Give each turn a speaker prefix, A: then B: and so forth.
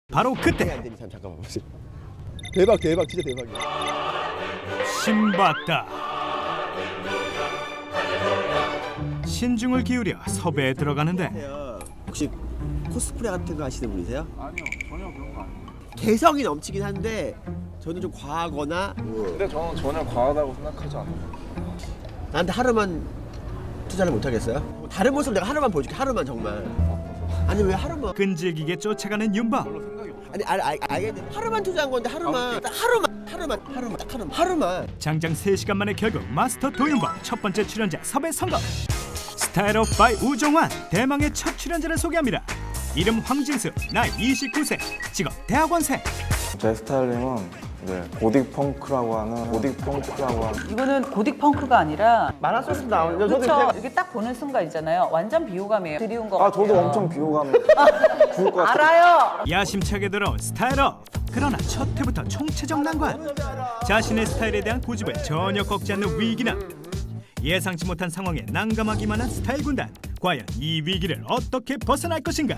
A: 바로 그때
B: 안 되니 잠깐만 보세요. 대박 진짜 대박이야.
A: 신봤다. 신중을 기울여 섭외에 들어가는데
B: 혹시 코스프레 같은 거 하시는 분이세요?
C: 아니요, 전혀 그런 거 아니에요.
B: 개성이 넘치긴 한데 저는 좀 과하거나
C: 근데 저는 전혀 과하다고 생각하지 않아요.
B: 나한테 하루만 투자를 못 하겠어요? 다른 모습 내가 하루만 보여줄게. 하루만 정말. 아니 왜 하루만?
A: 끈질기게 쫓아가는 윤박.
C: 별로 생각이 없어요.
B: 아니 알겠는데 하루만 투자한 건데 하루만 딱 하루만
A: 장장 3시간 만에 결국 마스터 도윤박 첫 번째 출연자 섭외 성공. 스타일 오브 바이 우종환 대망의 첫 출연자를 소개합니다. 이름 황진수, 나이 29세, 직업 대학원생.
C: 제 스타일링은 고딕 펑크라고 하는
D: 이거는 고딕 펑크가 아니라
B: 마라소스 나오는
D: 그렇죠. 이렇게 딱 보는 순간 있잖아요. 완전 비호감이에요. 드리운 거
C: 아 저도
D: 같아요.
C: 엄청 비호감 부을 것 같아요.
D: 알아요.
A: 야심차게 들어온 스타일업. 그러나 첫 해부터 총체적 난관. 자신의 스타일에 대한 고집을 전혀 꺾지 않는 위기남. 예상치 못한 상황에 난감하기만 한 스타일 군단. 과연 이 위기를 어떻게 벗어날 것인가?